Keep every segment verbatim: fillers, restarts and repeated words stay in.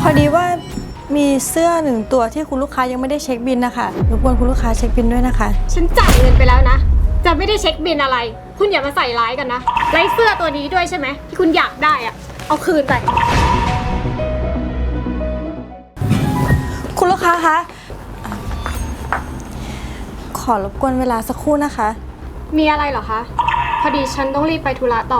อดีว่ามีเสื้อหนึ่งตัวที่คุณลูกค้ายังไม่ได้เช็คบินนะคะรบกวนคุณลูกค้าเช็คบินด้วยนะคะฉันจ่ายเงินไปแล้วนะจะไม่ได้เช็คบินอะไรคุณอย่ามาใส่ร้ายกันนะไล่เสื้อตัวนี้ด้วยใช่ไหมที่คุณอยากได้อะเอาคืนไปคุณลูกค้าคะขอรบกวนเวลาสักครู่นะคะมีอะไรเหรอคะพอดีฉันต้องรีบไปธุระต่อ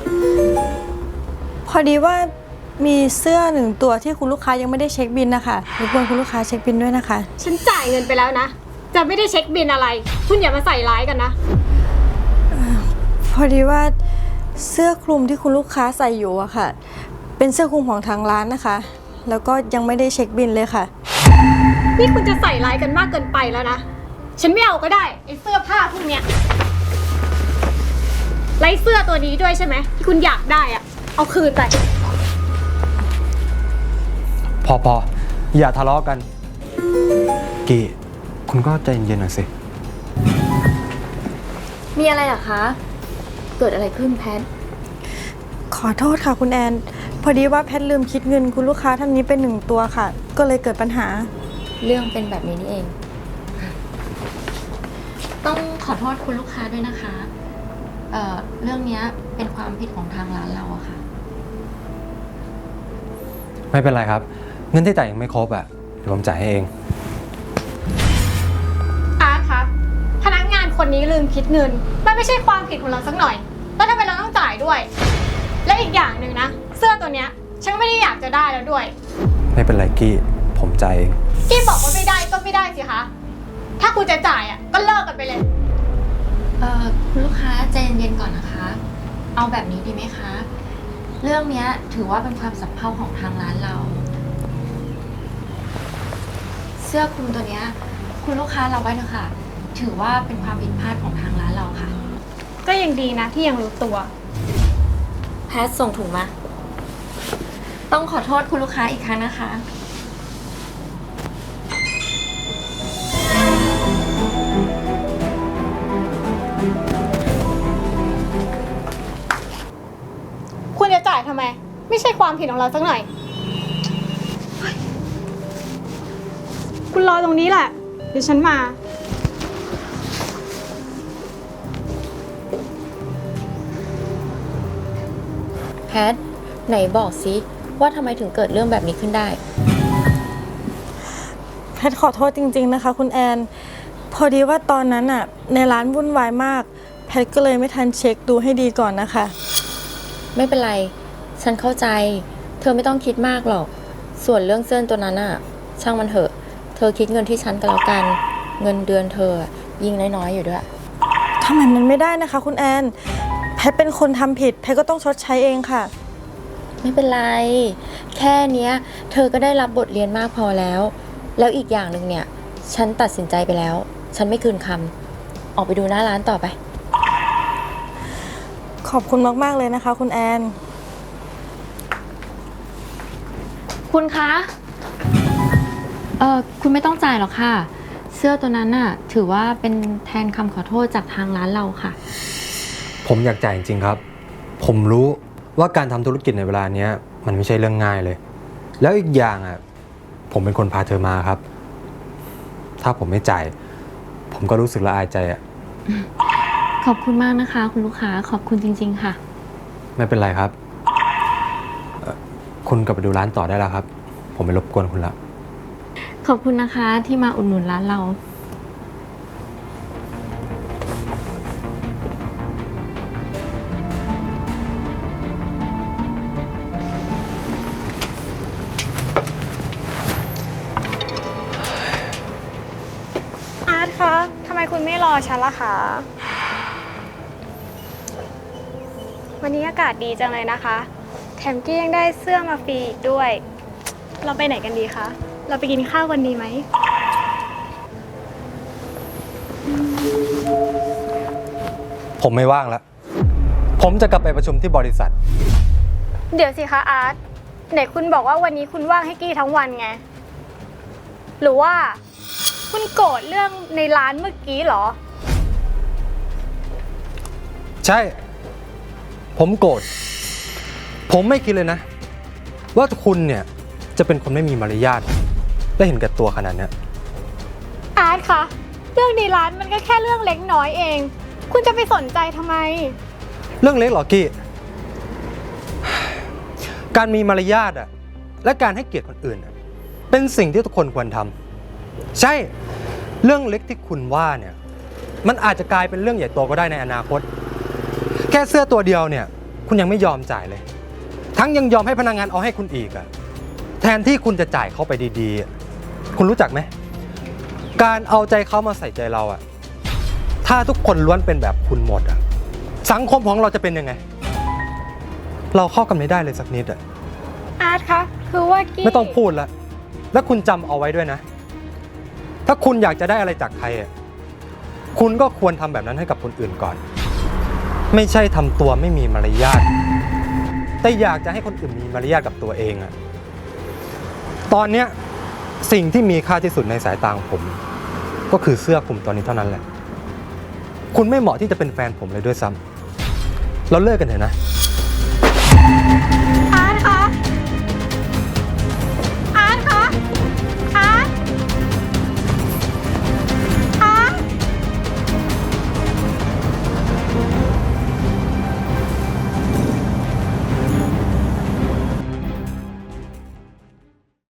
พอดีว่ามีเสื้อหนึ่งตัวที่คุณลูกค้ายังไม่ได้เช็คบินนะคะรบกวนคุณลูกค้าเช็คบินด้วยนะคะฉันจ่ายเงินไปแล้วนะจะไม่ได้เช็คบินอะไรคุณอย่ามาใส่ร้ายกันนะพอดีว่าเสื้อคลุมที่คุณลูกค้าใส่อยู่อะค่ะเป็นเสื้อคลุมของทางร้านนะคะแล้วก็ยังไม่ได้เช็คบินเลยค่ะนี่คุณจะใส่ร้ายกันมากเกินไปแล้วนะฉันไม่เอาก็ได้ไอ้เสื้อผ้าพวกเนี้ยไล่เสื้อตัวนี้ด้วยใช่ไหมที่คุณอยากได้อะเอาคืนไปพอพออย่าทะเลาะกันกีคุณก็ใจเย็นๆหน่อยสิมีอะไรเหรอคะเกิดอะไรขึ้นแพทขอโทษค่ะคุณแอนพอดีว่าแพทลืมคิดเงินคุณลูกค้าท่านนี้เป็นหนึ่งตัวค่ะก็เลยเกิดปัญหาเรื่องเป็นแบบนี้นี่เองต้องขอโทษคุณลูกค้าด้วยนะคะเอ่อเรื่องนี้เป็นความผิดของทางร้านเราอะค่ะไม่เป็นไรครับเงินที่จ่ายยังไม่ครบอะเดี๋ยวผมจ่ายให้เองอาร์ตคะพนักงานคนนี้ลืมคิดเงินมันไม่ใช่ความผิดของเราสักหน่อยแล้วทำไมเราต้องจ่ายด้วยและอีกอย่างหนึ่งนะเสื้อตัวเนี้ยฉันไม่ได้อยากจะได้แล้วด้วยไม่เป็นไรกี้ผมจ่ายเองกี้บอกว่าไม่ได้ก็ไม่ได้สิคะถ้าคุณจะจ่ายอ่ะก็เลิกกันไปเลยเอ่อคุณลูกค้าใจเย็นๆก่อนนะคะเอาแบบนี้ดีไหมคะเรื่องนี้ถือว่าเป็นความสัมเพาของทางร้านเราเสื้อคลุมตัวนี้คุณลูกค้าเราไว้นะคะถือว่าเป็นความผิดพลาดของทางร้านเราค่ะก็ยังดีนะที่ยังรู้ตัวแพทส่งถุงมาต้องขอโทษคุณลูกค้าอีกครั้งนะคะคุณจะจ่ายทำไมไม่ใช่ความผิดของเราสักหน่อยคุณรอตรงนี้แหละเดี๋ยวฉันมาแพทไหนบอกซิว่าทำไมถึงเกิดเรื่องแบบนี้ขึ้นได้แพทขอโทษจริงๆนะคะคุณแอนพอดีว่าตอนนั้นอะในร้านวุ่นวายมากแพทก็เลยไม่ทันเช็คดูให้ดีก่อนนะคะไม่เป็นไรฉันเข้าใจเธอไม่ต้องคิดมากหรอกส่วนเรื่องเสื้อตัวนั้นอะช่างมันเถอะเธอคิดเงินที่ฉันก็แล้วกันเงินเดือนเธอยิ่งน้อยๆอยู่ด้วยทำไมมันไม่ได้นะคะคุณแอนแพทเป็นคนทำผิดแพทก็ต้องชดใช้เองค่ะไม่เป็นไรแค่เนี้ยเธอก็ได้รับบทเรียนมากพอแล้วแล้วอีกอย่างหนึ่งเนี่ยฉันตัดสินใจไปแล้วฉันไม่คืนคำออกไปดูหน้าร้านต่อไปขอบคุณมากๆเลยนะคะคุณแอนคุณคะเออคุณไม่ต้องจ่ายหรอกค่ะเสื้อตัวนั้นน่ะถือว่าเป็นแทนคำขอโทษจากทางร้านเราค่ะผมอยากจ่ายจริงๆครับผมรู้ว่าการทำธุรกิจในเวลานี้มันไม่ใช่เรื่องง่ายเลยแล้วอีกอย่างอ่ะผมเป็นคนพาเธอมาครับถ้าผมไม่จ่ายผมก็รู้สึกละอายใจอ่ะขอบคุณมากนะคะคุณลูกค้าขอบคุณจริงๆค่ะไม่เป็นไรครับคุณกลับไปดูร้านต่อได้แล้วครับผมไม่รบกวนคุณละขอบคุณนะคะที่มาอุดหนุนร้านเราอาร์ตคะทำไมคุณไม่รอฉันล่ะคะวันนี้อากาศดีจังเลยนะคะแถมกี้ยังได้เสื้อมาฟรีอีกด้วยเราไปไหนกันดีคะเราไปกินข้าวกันดีไหมผมไม่ว่างแล้วผมจะกลับไปประชุมที่บริษัทเดี๋ยวสิคะอาร์ตไหนคุณบอกว่าวันนี้คุณว่างให้กี้ทั้งวันไงหรือว่าคุณโกรธเรื่องในร้านเมื่อกี้เหรอใช่ผมโกรธผมไม่คิดเลยนะว่าคุณเนี่ยจะเป็นคนไม่มีมารยาทและเห็นแก่ตัวขนาดเนี้ยอาร์ตคะเรื่องในร้านมันก็แค่เรื่องเล็กน้อยเอง คุณจะไปสนใจทำไมเรื่องเล็กเหรอกี้ การมีมารยาทอะและการให้เกียรติคนอื่นอะเป็นสิ่งที่ทุกคนควรทำใช่เรื่องเล็กที่คุณว่าเนี่ยมันอาจจะกลายเป็นเรื่องใหญ่โตก็ได้ในอนาคต แค่เสื้อตัวเดียวเนี่ยคุณยังไม่ยอมจ่ายเลย ทั้งยังยอมให้พนักงานเอาให้คุณอีกอะแทนที่คุณจะจ่ายเขาไปดีๆอะคุณรู้จักไหมการเอาใจเขามาใส่ใจเราอะถ้าทุกคนล้วนเป็นแบบคุณหมดอะสังคมของเราจะเป็นยังไง เราเข้ากันไม่ได้เลยสักนิดอะอาร์ตคะคือว่ากี้ไม่ต้องพูดละแล้วคุณจำเอาไว้ด้วยนะ ถ้าคุณอยากจะได้อะไรจากใครอะคุณก็ควรทำแบบนั้นให้กับคนอื่นก่อน ไม่ใช่ทำตัวไม่มีมารยาทแต่อยากจะให้คนอื่นมีมารยาทกับตัวเองอะตอนเนี้ยสิ่งที่มีค่าที่สุดในสายตาของผม ก็คือเสื้อคลุมตัวนี้เท่านั้นแหละ คุณไม่เหมาะที่จะเป็นแฟนผมเลยด้วยซ้ำเราเลิกกันเถอะนะ